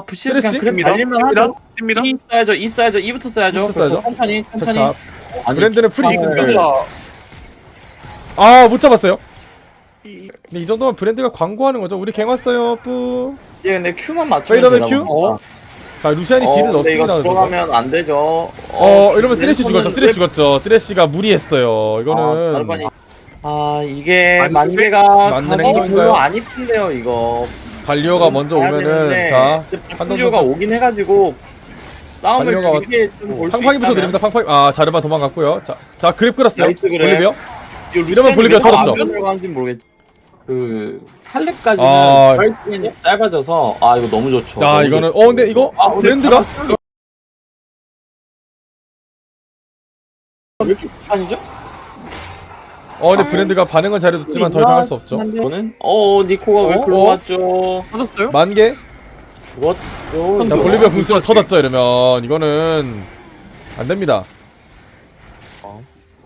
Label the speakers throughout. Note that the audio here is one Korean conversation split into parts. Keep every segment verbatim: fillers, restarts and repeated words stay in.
Speaker 1: 부시에서 그냥
Speaker 2: 쓰레쉬?
Speaker 1: 그래 달릴만 하죠.
Speaker 3: 씁니다.
Speaker 1: 이 써야죠. 이 써야죠. 이부터 써야죠.
Speaker 2: 이부터
Speaker 1: 그렇죠.
Speaker 2: 써야죠.
Speaker 1: 천천히 천천히.
Speaker 2: 자,
Speaker 1: 아니,
Speaker 2: 브랜드는 프리
Speaker 1: 기차를-
Speaker 2: 있습니다. 아, 못 잡았어요. 근데 이 정도면 브랜드가 광고하는 거죠. 우리 갱 왔어요. 뿌.
Speaker 1: 예, 근데 Q만 맞추면
Speaker 2: 페이더백
Speaker 1: 되나
Speaker 2: Q?
Speaker 1: 보다.
Speaker 2: 자, 루시안이
Speaker 1: 어,
Speaker 2: 딜을
Speaker 1: 근데 이거
Speaker 2: 넣습니다.
Speaker 1: 들어가면 안 되죠. 어,
Speaker 2: 어, 이러면 쓰레쉬
Speaker 1: 랜턴은
Speaker 2: 죽었죠. 쓰레쉬 죽었죠. 쓰레쉬가 무리했어요.
Speaker 1: 아,
Speaker 2: 이거는
Speaker 1: 다르반이. 아, 이게
Speaker 3: 만-
Speaker 1: 만개가
Speaker 2: 맞는
Speaker 1: 가격이
Speaker 2: 행동인가요?
Speaker 1: 별로 안 이쁜데요, 이거.
Speaker 2: 갈리오가 먼저
Speaker 1: 가야
Speaker 2: 오면은
Speaker 1: 되는데,
Speaker 2: 자,
Speaker 1: 한동료가 오긴 해가지고 싸움을
Speaker 2: 갈리오가
Speaker 1: 길게 좀 볼 수
Speaker 2: 팡팡이부터 드립니다. 팡팡이. 아, 자르반 도망갔고요. 자, 자 그립 끌었어요.
Speaker 1: 나이스 그랩.
Speaker 2: 볼리비아.
Speaker 1: 이러면
Speaker 2: 이러면 볼리비아 털었죠.
Speaker 1: 안 들어가는지 모르겠지. 그 할렙까지는
Speaker 2: 아.
Speaker 1: 시간이 짧아져서 아 이거 너무 좋죠.
Speaker 2: 야,
Speaker 1: 너무
Speaker 2: 이거는
Speaker 1: 좋죠.
Speaker 2: 어 근데 이거
Speaker 1: 아, 근데
Speaker 2: 브랜드가
Speaker 1: 왜 이렇게 아니죠?
Speaker 2: 어 근데 브랜드가 반응은 잘해줬지만 더 이상 할 수 없죠.
Speaker 1: 이거는 어 니코가 왜
Speaker 2: 어?
Speaker 1: 글로
Speaker 2: 어?
Speaker 1: 왔죠?
Speaker 3: 터졌어요?
Speaker 2: 만 개.
Speaker 1: 죽었죠.
Speaker 2: 자, 볼리비아 궁수를 터졌죠. 이러면 이거는 안 됩니다.
Speaker 1: 어.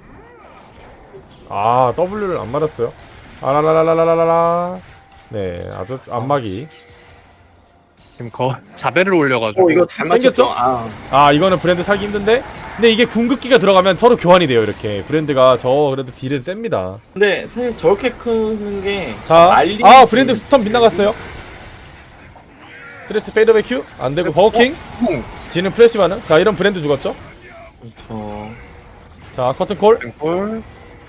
Speaker 2: 아, W를 안 맞았어요. 아라라라라라라라. 네, 아주 안마기.
Speaker 3: 지금 거 자배를 올려가지고.
Speaker 1: 어 이거 잘
Speaker 2: 땡겼죠?
Speaker 1: 맞췄죠? 아
Speaker 2: 아, 이거는 브랜드 살기 힘든데. 근데 이게 궁극기가 들어가면 서로 교환이 돼요. 이렇게 브랜드가 저 그래도 딜은 셉니다.
Speaker 1: 근데 사실 저렇게 크는 게
Speaker 2: 자,
Speaker 1: 알리지.
Speaker 2: 아 브랜드 스턴 빗나갔어요. 스트레스 페이더백 큐 안 되고 버거킹. 지는 프레시 반응. 자, 이런 브랜드 죽었죠.
Speaker 1: 그렇죠.
Speaker 2: 자, 커튼콜.
Speaker 3: 콜.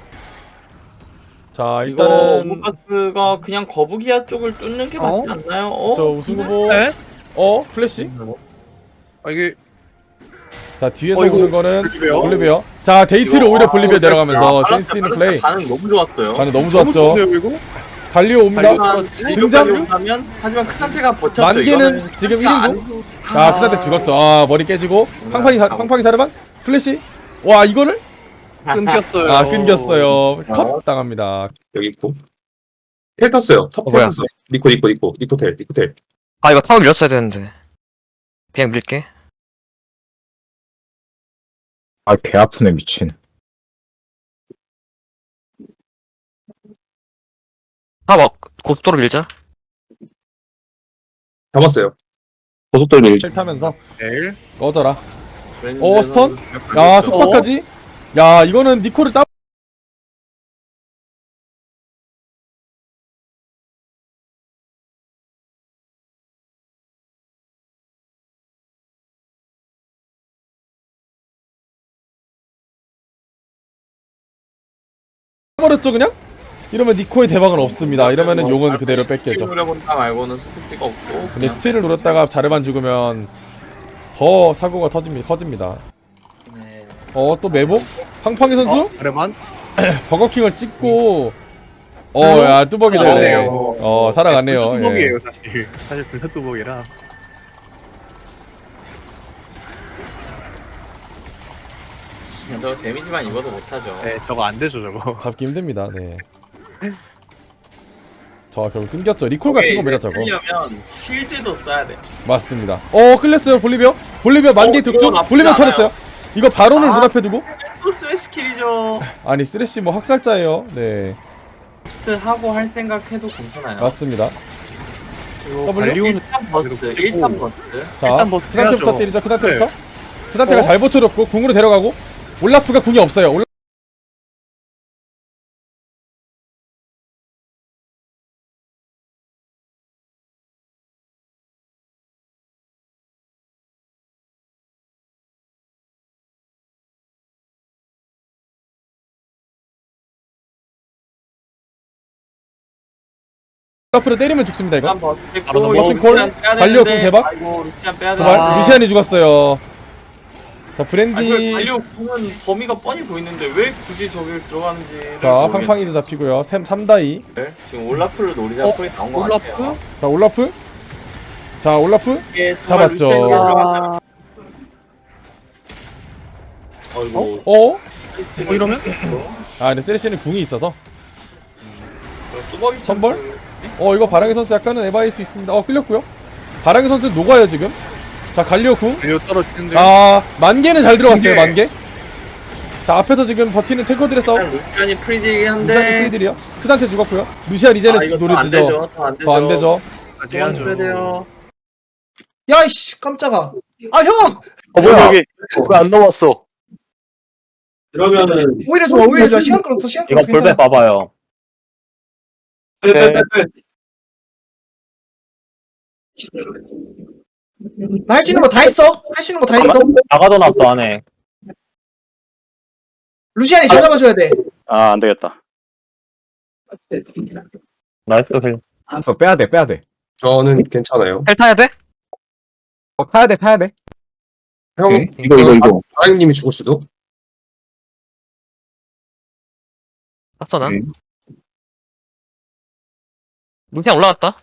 Speaker 2: 자,
Speaker 1: 이거
Speaker 2: 일단은
Speaker 1: 오브가스가 그냥 거북이야 쪽을 뚫는 게 맞지
Speaker 3: 어?
Speaker 1: 않나요? 어?
Speaker 2: 저 우승 후보.
Speaker 3: 네?
Speaker 2: 어, 플래시.
Speaker 3: 아 이게
Speaker 2: 자, 뒤에서
Speaker 3: 어이구,
Speaker 2: 오는 거는
Speaker 3: 볼리비아.
Speaker 2: 볼리비아. 자, 데이트로
Speaker 1: 이거-
Speaker 2: 오히려
Speaker 1: 아,
Speaker 2: 볼리비아
Speaker 1: 이거
Speaker 2: 내려가면서
Speaker 1: 아,
Speaker 2: 센스 있는
Speaker 1: 바로스
Speaker 2: 플레이.
Speaker 1: 반응 너무 좋았어요.
Speaker 2: 반응 너무
Speaker 3: 너무
Speaker 2: 좋았죠.
Speaker 3: 좋은데요, 이거?
Speaker 2: 갈리오 옵니다.
Speaker 1: 하지만
Speaker 2: 등장?
Speaker 1: 등장 하면 하지만 크산테가 버텼죠.
Speaker 2: 만개는
Speaker 1: 이거는
Speaker 2: 지금
Speaker 1: 크산테가
Speaker 2: 일 인분?
Speaker 1: 안-
Speaker 2: 아, 크산테 죽었죠. 아, 머리 깨지고. 팡팡이, 사- 팡팡이 사르반? 플래시? 와, 이거를?
Speaker 3: 끊겼어요.
Speaker 2: 아, 끊겼어요. 컷 당합니다.
Speaker 4: 여기 있고 텔 탔어요. 탑
Speaker 5: 어, 뭐야?
Speaker 4: 탔어. 니코 니코 니코 니코텔 니코텔.
Speaker 5: 아 이거 타워 밀었어야 되는데 그냥 밀게.
Speaker 6: 아, 배 아프네, 미친.
Speaker 5: 타워 고속도로 밀자.
Speaker 4: 잡았어요.
Speaker 6: 고속도로 일.
Speaker 2: 칠 타면서
Speaker 3: 내일.
Speaker 2: 꺼져라.
Speaker 1: 브랜드는
Speaker 2: 어, 스턴?
Speaker 1: 몇
Speaker 2: 야,
Speaker 1: 번
Speaker 2: 속박까지? 야, 이거는 니코를 따 버렸죠, 그냥? 이러면 니코의 대박은 없습니다. 이러면은 용은 그대로
Speaker 1: 스틸
Speaker 2: 뺏겨죠.
Speaker 1: 노려본다 말고는 선택지가 없고.
Speaker 2: 근데 스틸을 노렸다가 자르반 죽으면 더 사고가 터집니다. 커집니다.
Speaker 1: 네.
Speaker 2: 어, 또 매복? 팡팡이 선수?
Speaker 3: 그래만.
Speaker 2: 버거킹을 찍고 어, 야, 뚜벅이 되네.
Speaker 3: 살아가네요.
Speaker 2: 어, 살아가네요. 예.
Speaker 3: 뚜벅이에요 사실. 사실 불사 뚜벅이라.
Speaker 1: 저 데미지만 입어도 못하죠.
Speaker 3: 네, 저거 안 되죠 저거.
Speaker 2: 잡기 힘듭니다. 네. 저 결국 끊겼죠. 리콜 같은 거 매라 저거.
Speaker 1: 하려면 실드도 써야 돼.
Speaker 2: 맞습니다. 어, 끌렸어요. 볼리비아. 볼리비아 만개
Speaker 1: 어, 이거
Speaker 2: 득점.
Speaker 1: 나쁘지
Speaker 2: 볼리비아
Speaker 1: 않아요.
Speaker 2: 쳐냈어요. 이거 바론을
Speaker 1: 아.
Speaker 2: 눈앞에 두고
Speaker 1: 또 스매시 킬이죠.
Speaker 2: 아니, 쓰레쉬 뭐 학살자예요. 네.
Speaker 1: 스트 하고 할 생각해도 괜찮아요.
Speaker 2: 맞습니다.
Speaker 1: 그리고
Speaker 2: W?
Speaker 1: 일 탄 버스트, 일 탄 버스트.
Speaker 2: 자,
Speaker 3: 일단 뭐
Speaker 2: 크산테부터
Speaker 3: 해야죠.
Speaker 2: 때리죠. 크산테부터. 크산테가
Speaker 3: 어?
Speaker 2: 잘 버텨줬고 궁으로 데려가고 올라프가 궁이 없어요. 올라... 올라프를 때리면 죽습니다. 이거.
Speaker 1: 일단 버스트
Speaker 3: 바로
Speaker 1: 있고,
Speaker 2: 넘어가고.
Speaker 1: 루시안 빼야
Speaker 2: 발리오
Speaker 1: 되는데,
Speaker 2: 공 대박?
Speaker 1: 아이고 루시안 빼야
Speaker 2: 도발.
Speaker 1: 되나.
Speaker 2: 루시안이 죽었어요. 자,
Speaker 1: 아니 그
Speaker 2: 브랜디.
Speaker 1: 발리오 공은 범위가 뻔히 보이는데 왜 굳이 저길 들어가는지.
Speaker 2: 자, 팡팡이도 잡히고요. 삼 다이.
Speaker 1: 지금 올라프를 노리자
Speaker 3: 어?
Speaker 1: 소리 나온 것
Speaker 3: 올라프?
Speaker 1: 같아요.
Speaker 2: 자, 올라프. 자, 올라프.
Speaker 1: 이게 정말
Speaker 2: 잡았죠.
Speaker 1: 루시안이 들어간다면. 어이구.
Speaker 2: 어?
Speaker 3: 뭐 이러면?
Speaker 2: 아, 근데 쓰레쉬는 궁이 있어서.
Speaker 1: 뚜벅이
Speaker 2: 선벌?
Speaker 1: 참-
Speaker 2: 어, 이거 바랑의 선수 약간은 에바일 수 있습니다. 어, 끌렸고요. 바랑의 선수 녹아요, 지금. 자, 갈리오 궁.
Speaker 3: 달려 떨어지는데.
Speaker 2: 아, 만개는 잘 들어갔어요,
Speaker 3: 만개.
Speaker 2: 만개. 자, 앞에서 지금 버티는 탱커들의 싸움.
Speaker 1: 일단 루시안이 프리지긴
Speaker 2: 루시안
Speaker 1: 한데.
Speaker 2: 프리들이요. 크산테 죽었고요. 루시안 이제는
Speaker 1: 아, 이거
Speaker 2: 노래
Speaker 1: 더안
Speaker 2: 지죠.
Speaker 1: 되죠. 더안 되죠.
Speaker 2: 더 안 되죠.
Speaker 3: 아직
Speaker 1: 도와줘야 돼요.
Speaker 7: 야이씨 깜짝아. 아 형!
Speaker 6: 어 뭐야 여기 왜 안 넘었어?
Speaker 1: 그러면은
Speaker 7: 오히려 좋아 오히려 좋아. 시간 끌었어 시간
Speaker 6: 이거
Speaker 7: 끌었어
Speaker 6: 볼배
Speaker 7: 괜찮아.
Speaker 6: 봐봐요.
Speaker 1: 빼빼빼빼.
Speaker 7: 나 할 수 있는 거 다 했어. 할 수 있는 거 다 했어.
Speaker 6: 나가도 납도 안 해.
Speaker 7: 루시안이 다 잡아줘야 돼.
Speaker 6: 아 안 되겠다. 나이스 힐.
Speaker 8: 어, 빼야 돼, 빼야 돼.
Speaker 4: 저는 괜찮아요.
Speaker 5: 헬 타야 돼?
Speaker 8: 어, 타야 돼, 타야 돼.
Speaker 4: 형,
Speaker 5: 이거, 이거,
Speaker 4: 이거. 아랑님이 죽을 수도.
Speaker 5: 땄어 나.
Speaker 6: 네.
Speaker 5: 루시안 올라왔다.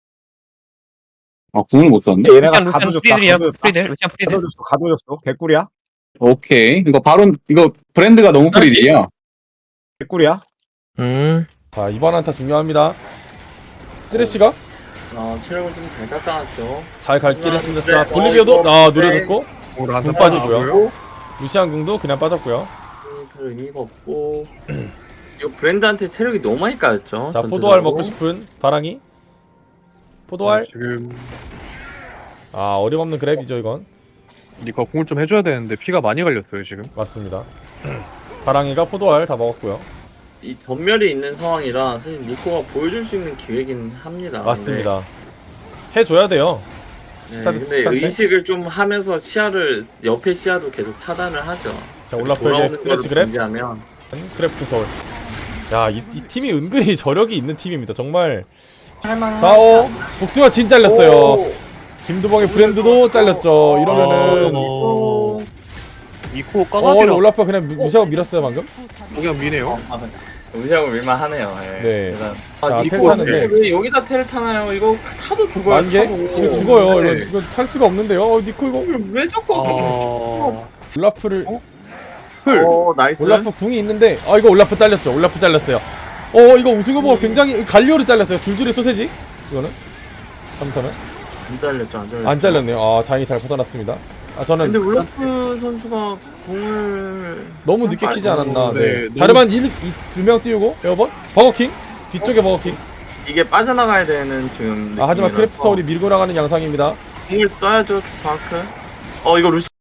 Speaker 9: 아, 궁을 못 썼네?
Speaker 8: 얘네가
Speaker 5: 루시안
Speaker 8: 가도
Speaker 5: 루시안
Speaker 8: 줬다.
Speaker 5: 프리들이야.
Speaker 8: 가도 줬다.
Speaker 5: 프리들. 루시안 프리들.
Speaker 8: 가도 줬어, 가도 줬어. 개꿀이야?
Speaker 9: 오케이. 이거 바로, 이거 브랜드가 너무 프리리야.
Speaker 8: 개꿀이야?
Speaker 5: 음.
Speaker 2: 자 이번 한타 중요합니다. 쓰레쉬가
Speaker 1: 어, 체력을 좀 잘 깎아놨죠.
Speaker 2: 잘 갈 길 했습니다. 자
Speaker 1: 어,
Speaker 2: 볼리비아도
Speaker 1: 이거
Speaker 2: 아
Speaker 1: 네.
Speaker 2: 노려줬고
Speaker 3: 오늘 한
Speaker 2: 궁
Speaker 3: 타
Speaker 2: 빠지고요.
Speaker 3: 나오고요.
Speaker 2: 루시안 궁도 그냥 빠졌고요.
Speaker 1: 음, 별 의미가 없고. 이거 브랜드한테 체력이 너무 많이 까였죠.
Speaker 2: 자
Speaker 1: 전체적으로.
Speaker 2: 포도알 먹고 싶은 바랑이. 포도알
Speaker 3: 지금
Speaker 2: 아 어림없는 그랩이죠 이건.
Speaker 3: 니가 공을 좀 해줘야 되는데 피가 많이 갈렸어요 지금.
Speaker 2: 맞습니다. 바랑이가 포도알 다 먹었고요.
Speaker 1: 이 전멸이 있는 상황이라 사실 니코가 보여줄 수 있는 기회긴 합니다.
Speaker 2: 맞습니다. 해줘야 돼요.
Speaker 1: 네,
Speaker 2: 스타트,
Speaker 1: 근데
Speaker 2: 스타트.
Speaker 1: 의식을 좀 하면서 시야를 옆에 시야도 계속 차단을 하죠.
Speaker 2: 자 올라프
Speaker 1: 돌아오는
Speaker 2: 이제
Speaker 1: 거를
Speaker 2: 스트레시 그랩.
Speaker 1: 공지하면
Speaker 2: 크래프트 서울. 야, 이, 이 팀이 은근히 저력이 있는 팀입니다. 정말.
Speaker 1: 할만한.
Speaker 2: 자, 어, 복숭아 진 잘렸어요. 김두봉의 브랜드도 잘렸죠. 이러면은.
Speaker 3: 어... 이코
Speaker 2: 어,
Speaker 3: 까마귀랑
Speaker 2: 올라프가 그냥 무- 무시하고 밀었어요, 방금.
Speaker 3: 그냥 미네요.
Speaker 1: 의식을 밀만 하네요. 예.
Speaker 2: 네.
Speaker 1: 일단.
Speaker 2: 자,
Speaker 1: 아,
Speaker 2: 텔
Speaker 1: 니코
Speaker 2: 타는데.
Speaker 1: 왜 여기다 텔을 타나요? 이거 타도 죽어요.
Speaker 2: 만개?
Speaker 1: 타도.
Speaker 2: 이거 죽어요.
Speaker 1: 네.
Speaker 2: 이거, 이거 탈 수가 없는데요. 어, 니코 이거.
Speaker 1: 이걸 왜 자꾸?
Speaker 3: 어...
Speaker 2: 올라프를.
Speaker 3: 풀.
Speaker 1: 어, 나이스.
Speaker 2: 올라프 궁이 있는데. 아, 이거 올라프 잘렸죠. 올라프 잘렸어요. 어, 이거 우승 후보가 굉장히 갈리오를 잘렸어요. 줄줄이 소세지. 이거는. 잘못하면.
Speaker 1: 안 잘렸죠, 안 잘렸죠.
Speaker 2: 안 잘렸네요. 아, 다행히 잘 벗어났습니다. 아, 저는.
Speaker 1: 근데 울라프 선수가 공을
Speaker 2: 너무 늦게 키지 않았나.
Speaker 3: 네,
Speaker 2: 네.
Speaker 3: 너무-
Speaker 2: 자르반 두 명 띄우고 에어번 버거킹 뒤쪽에 버거킹.
Speaker 1: 이게 빠져나가야 되는 지금.
Speaker 2: 아 하지만
Speaker 1: 느낌이라서
Speaker 2: 크래프트 서울이 밀고 나가는 양상입니다.
Speaker 1: 공을 써야죠, 주파크. 어, 이거 루시.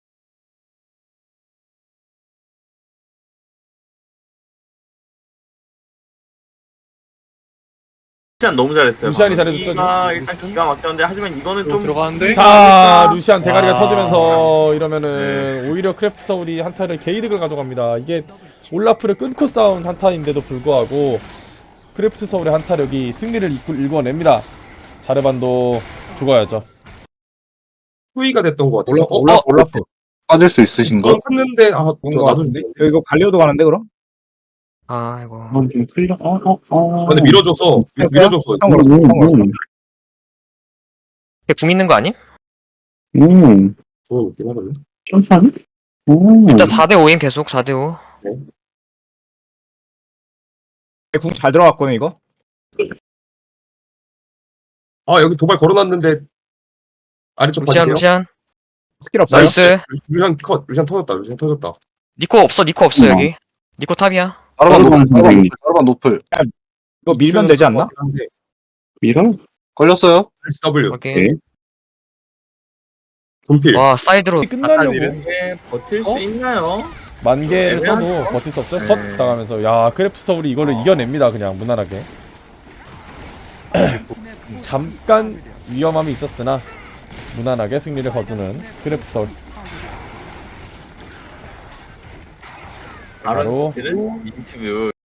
Speaker 1: 루시안 너무 잘했어요.
Speaker 2: 루시안이
Speaker 1: 방금.
Speaker 2: 잘해줬죠,
Speaker 1: 이가 일단 기가 막혔는데 하지만 이거는
Speaker 3: 좀
Speaker 1: 좀
Speaker 3: 들어가는데.
Speaker 2: 자 루시안 대가리가
Speaker 3: 아.
Speaker 2: 터지면서 이러면은 오히려 크래프트 서울이 한타를 개이득을 가져갑니다. 이게 올라프를 끊고 싸운 한타인데도 불구하고 크래프트 서울의 한타력이 승리를 이끌- 일궈냅니다. 자르반도 죽어야죠.
Speaker 4: 후위가 됐던 것 같아서.
Speaker 8: 올라, 올라, 올라프.
Speaker 9: 빠질 수 있으신가?
Speaker 4: 했는데, 아, 저
Speaker 8: 뭔가
Speaker 4: 나도.
Speaker 8: 같은데? 이거 갈리오도 가는데, 그럼?
Speaker 5: 아이고.
Speaker 9: 아, 좀 틀려. 어, 어, 어.
Speaker 4: 근데 밀어줘서, 밀- 밀어줘서.
Speaker 8: 형 걸었어, 형 걸었어.
Speaker 5: 걔 궁 있는 거 아니?
Speaker 9: 음,
Speaker 4: 좋은 느낌 하거든요.
Speaker 9: 천천히? 음.
Speaker 5: 일단 사 대 오임 계속 사 대 오.
Speaker 8: 궁잘 들어갔거든, 이거?
Speaker 4: 아, 여기 도발 걸어놨는데, 아래쪽
Speaker 5: 루시안
Speaker 4: 봐주세요.
Speaker 5: 루시안.
Speaker 8: 스킬 없어요?
Speaker 5: 나이스.
Speaker 4: 루시안 컷, 루시안 터졌다, 루시안 터졌다.
Speaker 5: 니코 없어 니코 없어
Speaker 9: 음.
Speaker 5: 여기. 니코 탑이야.
Speaker 9: 바로반
Speaker 6: 음.
Speaker 9: 노플, 바로반 노플, 바로반 노플.
Speaker 8: 이거 밀면 되지 않나?
Speaker 4: 한데,
Speaker 9: 밀어? 걸렸어요?
Speaker 4: 에스더블유,
Speaker 5: 오케이.
Speaker 9: 오케이.
Speaker 4: 존필.
Speaker 5: 와 사이드로.
Speaker 2: 끝나려고
Speaker 1: 이게 버틸 수
Speaker 3: 어?
Speaker 1: 있나요?
Speaker 2: 만개를 써도
Speaker 1: 애매하죠?
Speaker 2: 버틸 수 없죠.
Speaker 1: 네.
Speaker 2: 컷 당하면서 야 크래프트 서울이 이거를 이겨냅니다. 그냥 무난하게. 잠깐 위험함이 있었으나 무난하게 승리를 거두는 크래프트 서울. 바로
Speaker 1: 아론 스틸은 인터뷰.